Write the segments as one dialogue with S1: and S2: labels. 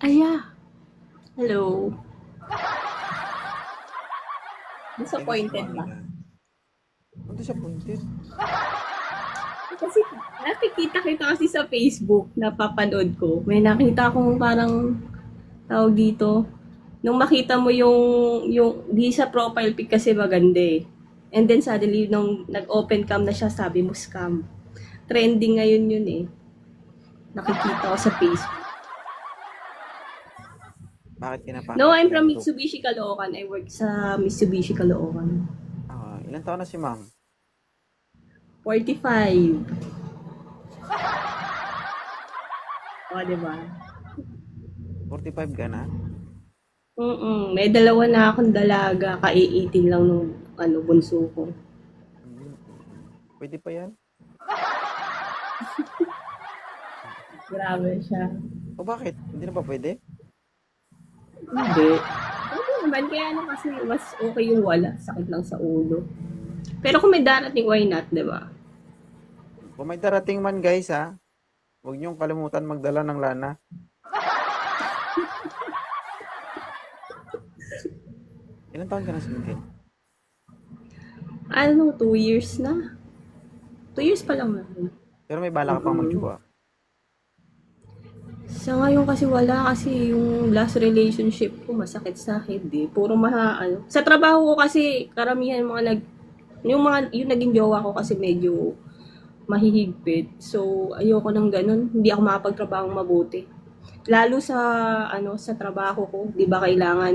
S1: Aya, hello.
S2: Ay, gusto mo
S1: Disappointed
S2: ano
S1: ba?
S2: na. Ang disappointed.
S1: Kasi nakikita kita kasi sa Facebook, napapanood ko. May nakita akong parang tawag dito. Nung makita mo yung di sa profile pic kasi maganda eh. And then suddenly, nung nag-open cam na siya, sabi mo scam. Trending ngayon yun eh. Nakikita ko sa Facebook.
S2: Bakit
S1: No, I'm from
S2: pinag-group?
S1: Mitsubishi Caloocan. I work sa Mitsubishi Caloocan.
S2: Ilan taon na si ma'am?
S1: 45. O, diba?
S2: 45 ka na?
S1: May dalawa na akong dalaga, ka-18 lang nung bunso ko.
S2: Hmm, pwede pa yan?
S1: Grabe siya.
S2: O bakit? Hindi na ba pwede?
S1: Hindi. Pwede naman, kaya kasi mas okay yung wala, sakit lang sa ulo. Pero kung may darating, why not, di ba?
S2: Kung may darating man guys ha, huwag niyong kalimutan magdala ng lana. Ilan taon ka na single?
S1: 2 years na. 2 years pa lang naman.
S2: Pero may bala ka pang magjowa.
S1: Sa ngayon kasi wala kasi yung last relationship ko masakit sa akin eh. Puro Sa trabaho ko kasi karamihan yung naging jowa ko kasi medyo mahihigpit. So ayoko nang ganun. Hindi ako makapagtrabaho mabuti. Lalo sa trabaho ko, 'di ba kailangan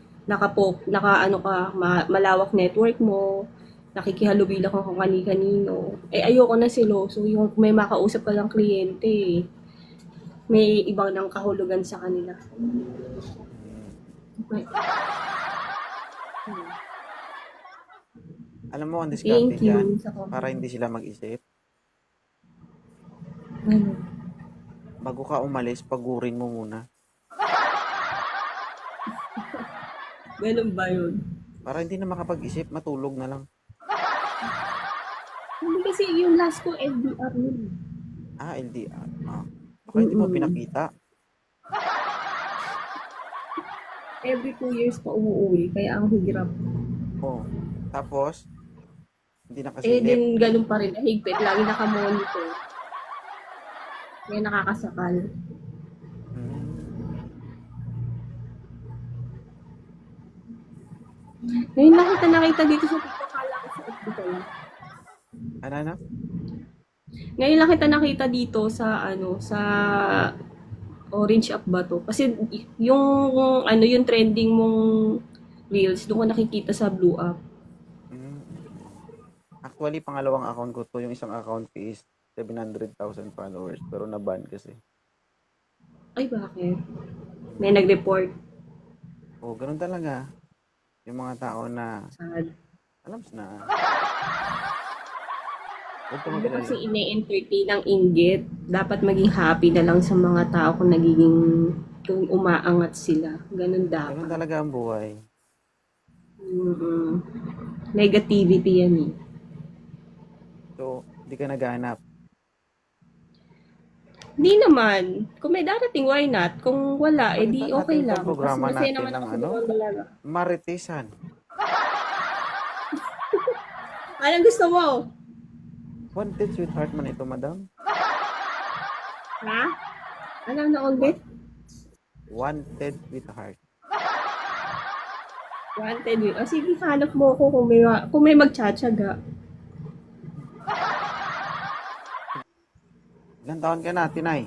S1: malawak network mo, nakikihalubila ka kung kani-kanino. Eh ayoko na seloso, yung may makausap ka lang kliyente eh. May ibang ng kahulugan sa kanila.
S2: Hmm.
S1: Okay.
S2: Alam mo ang diskarte
S1: Thank
S2: dyan,
S1: you sa
S2: para
S1: compliment.
S2: hindi sila mag-isip.
S1: Ano?
S2: Bago ka umalis, pagurin mo muna.
S1: Ganun ba yun?
S2: Para hindi na makapag-isip, matulog na lang.
S1: Hindi kasi yung last ko LDR yun.
S2: LDR. Baka hindi mo
S1: Mm-mm.
S2: pinakita.
S1: Every 2 years pa umuwi, kaya ang hirap.
S2: Oh. Tapos, hindi
S1: Eh
S2: nakasilip.
S1: din ganun pa rin, higpit, lagi nakamonitor. Kaya nakakasakal.
S2: Hmm.
S1: Ngayon nakita dito sa TikTok, kala ko sa FB ko lang.
S2: Ano?
S1: Ngayon lang kita nakita dito sa Orange App ba to? Kasi yung trending mong reels, doon ko nakikita sa Blue App.
S2: Hmm. Actually, pangalawang account ko to. Yung isang account ko is 700,000 followers. Pero na-ban kasi.
S1: Ay, bakit? May
S2: Hmm.
S1: nag-report.
S2: Ganun talaga. Yung mga tao na,
S1: Sad.
S2: alam na, huwag ka
S1: Huwag mo kasi
S2: mag-alala.
S1: ine-entertain ang inggit. Dapat maging happy na lang sa mga tao kung umaangat sila. Ganun
S2: Ganun
S1: dapat.
S2: talaga ang buhay.
S1: Mm-mm. Negativity yan eh.
S2: So, hindi ka naghahanap.
S1: Hindi naman. Kung may darating, why not? Kung wala,
S2: Palitan
S1: okay
S2: natin
S1: lang.
S2: tong
S1: Kasi
S2: programa
S1: masaya
S2: natin
S1: naman
S2: ng
S1: ako sa dalawang dalaga.
S2: Maritesan.
S1: Anong gusto mo?
S2: Wanted sweetheart man ito, madam.
S1: Ha? Ano na ulit?
S2: Wa- Wanted sweetheart.
S1: Wanted with. O sige, hanap mo ako kung may magtsatsaga.
S2: Ilang taon ka na, Tinay?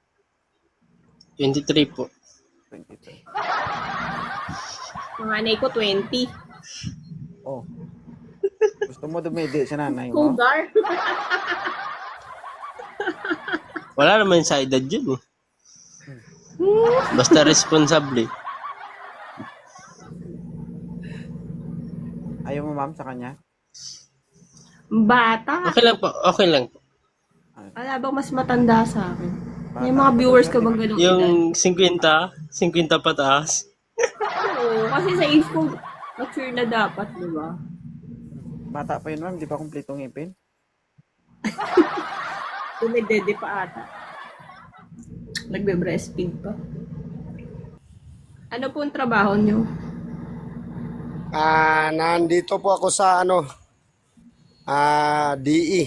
S3: 23 po.
S2: 23.
S1: Panganay ko 20.
S2: Oh, gusto mo dumedi sa nanay mo?
S1: Cougar.
S3: Wala naman sa edad yun eh. Basta responsable.
S2: Ayaw mo, ma'am, sa kanya?
S1: Bata.
S3: Okay lang po, okay lang po.
S1: Wala bang mas matanda sa akin? May
S2: Bata
S1: mga
S2: pa
S1: viewers
S2: to,
S1: ka bang ganong edad?
S3: Yung 50 pataas.
S1: Oo, kasi sa age ko, mature na dapat, di ba?
S2: Bata pa yun, ma'am. Di pa kumpletong ngipin.
S1: Dumedede pa ata. Nagbe-breastfeed pa. Ano po ang trabaho nyo?
S4: Nandito po ako sa DE.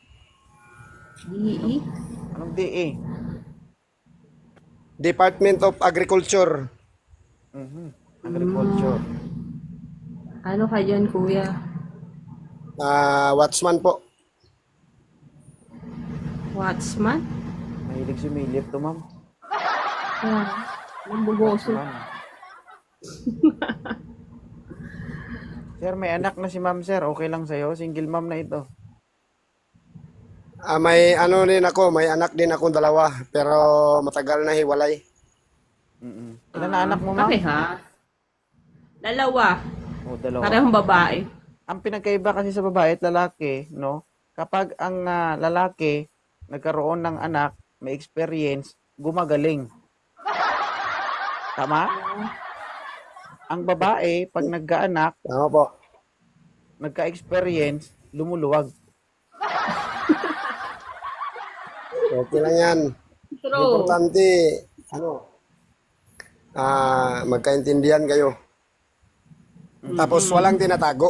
S1: DE?
S2: Anong DA?
S4: Department of Agriculture.
S2: Agriculture.
S1: Ano ka dyan, kuya?
S4: Watchman po.
S1: Watchman?
S2: Mahilig sumilip to, ma'am.
S1: Nambugoso.
S2: Watchman. Sir, may anak na si ma'am, sir. Okay lang sa'yo? Single ma'am na ito.
S4: May din ako, may anak din ako dalawa, pero matagal na hiwalay.
S2: Ilan na anak mo, ma'am?
S1: Pareha. Dalawa.
S2: O, dalawa.
S1: Parehong babae.
S2: Ang pinagkaiba kasi sa babae at lalaki, no? Kapag ang lalaki nagkaroon ng anak, may experience, gumagaling. Tama? Ang babae, pag nagkaanak,
S4: Tama po.
S2: nagka-experience, lumuluwag.
S4: Okay lang yan.
S1: True.
S4: Importante, magkaintindihan kayo. Tapos walang tinatago.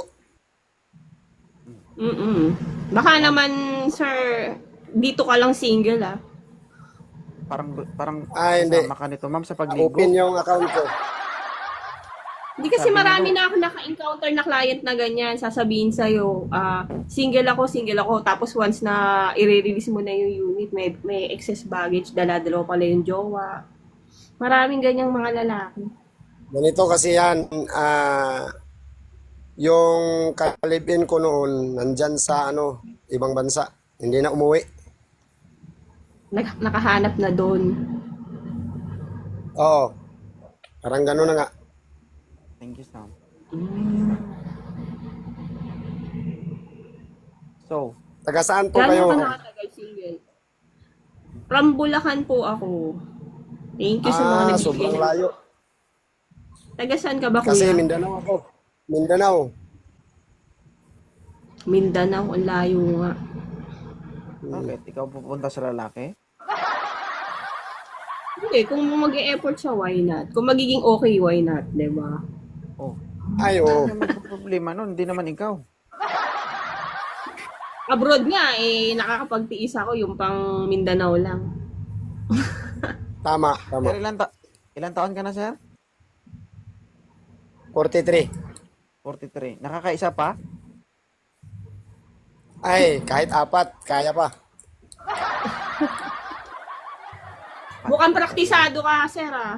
S1: Baka naman, sir, dito ka lang single, ah.
S2: Parang
S4: Hindi.
S2: kasama ka nito, ma'am, sa pagligo.
S4: Open yung account ko.
S1: Hindi kasi
S2: Sabi
S1: marami na ako naka-encounter na client na ganyan. Sasabihin sa'yo, single ako. Tapos once na i-release mo na yung unit, may excess baggage, dala-dalawa pala yung jowa. Maraming ganyang mga lalaki.
S4: Ganito kasi yan, yung kalibin ko noon, nandyan sa ibang bansa. Hindi na umuwi.
S1: Nakahanap na doon.
S4: Oo. Parang gano'n na nga.
S2: Thank you, Sam. So,
S4: Taga saan po
S1: Gano'n
S4: kayo?
S1: ka nakatagal single? From Bulacan po ako. Thank you sa mga nagbigay.
S4: Sobrang layo.
S1: Taga saan ka ba,
S4: Kasi
S1: kuya?
S4: Mindanao ako. Mindanao.
S1: Mindanao, ang layo nga.
S2: bakit? Ikaw pupunta sa lalaki?
S1: Hindi, kung mag-e-effort siya, why not? Kung magiging okay, why not? Diba?
S2: Oh.
S4: Ay, oo.
S2: Ano naman problema nun? Hindi naman ikaw.
S1: Abroad nga, nakakapagtiis ako yung pang Mindanao lang.
S4: Tama, tama.
S2: Sir, ilan taon ka na, sir?
S4: 43.
S2: 43. Nakakaisa pa?
S4: Ay, kahit 4, kaya pa.
S1: Mukhang praktisado ka, sir, ah.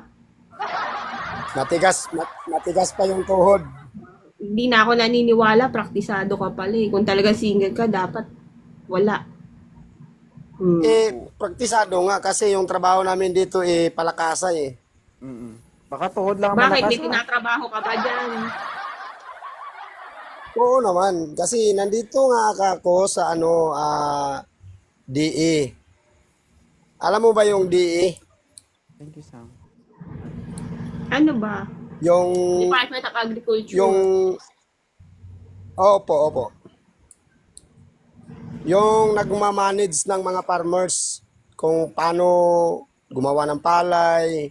S4: Matigas pa yung tuhod.
S1: Hindi na ako naniniwala, praktisado ka pala eh. Kung talaga single ka, dapat wala.
S4: Praktisado nga kasi yung trabaho namin dito palakasay .
S2: Baka tuhod lang ang
S1: Bakit?
S2: malakas.
S1: May tinatrabaho ka pa dyan?
S4: Oo naman, kasi nandito nga ako sa DE. Alam mo ba yung DE?
S2: Thank you, Sam.
S1: Ano ba?
S4: Yung
S1: Department of Agriculture.
S4: Opo. Yung nagmamanage ng mga farmers kung paano gumawa ng palay,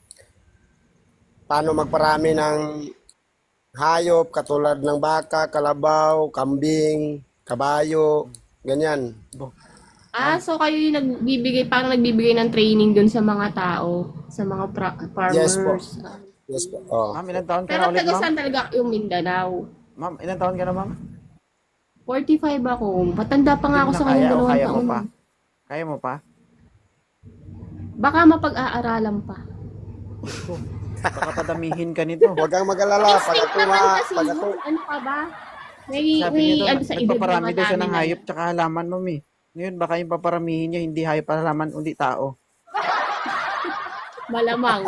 S4: paano magparami ng hayop katulad ng baka, kalabaw, kambing, kabayo, ganyan.
S1: So kayo yung parang nagbibigay ng training dun sa mga tao, sa mga farmers.
S4: Yes po. Yes po. Oh.
S2: Ma'am, ilan taon ka
S1: Pero
S2: na ulit,
S1: taga
S2: ma'am?
S1: saan talaga yung Mindanao?
S2: Ma'am, ilan taon ka na, ma'am?
S1: 45 ako. Matanda pa nga ako
S2: Hindi
S1: sa
S2: mo na
S1: kanyang
S2: kaya o
S1: dalawang
S2: kaya mo
S1: taon.
S2: pa? Kaya mo pa?
S1: Baka mapag-aaralan pa.
S2: Baka padamihin ka nito.
S4: Huwag kang mag-alala. Pag
S1: Instinct
S4: ako
S1: naman kasi
S4: pag
S1: yun.
S4: ako,
S1: Ano ka ba? May
S2: Sabi niyo daw,
S1: ano sa edad
S2: nagpaparami daw siya ng
S1: namin.
S2: hayop tsaka halaman, ma'am eh. Ngayon, baka yung paparamihin niya, hindi hayop at halaman, kundi tao.
S1: Malamang.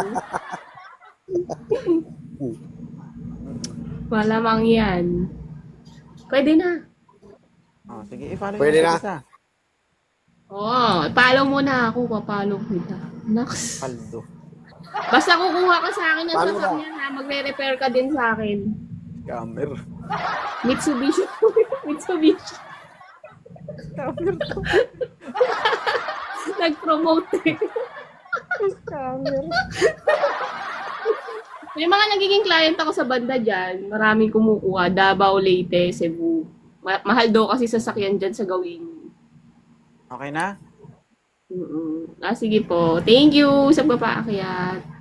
S1: Malamang yan. Pwede na.
S2: Oh, sige, i-follow
S4: Pwede
S2: niyo
S4: na.
S2: isa.
S1: Follow mo na ako. Papalo kita. Naks.
S2: Paldo.
S1: Basta kukuha ka sa akin ng
S4: Paano ba?
S1: sasakyan ha. Magre-repair ka din sa akin.
S2: Scammer.
S1: Mitsubishi. Mitsubishi.
S2: Scammer to.
S1: Nag-promote eh.
S2: Scammer.
S1: May mga nagiging client ako sa banda dyan. Maraming kumukuha. Davao, Leyte, Cebu. Mahal daw kasi sasakyan dyan sa gawin.
S2: Okay na?
S1: Sige po. Thank you sa papaakyat.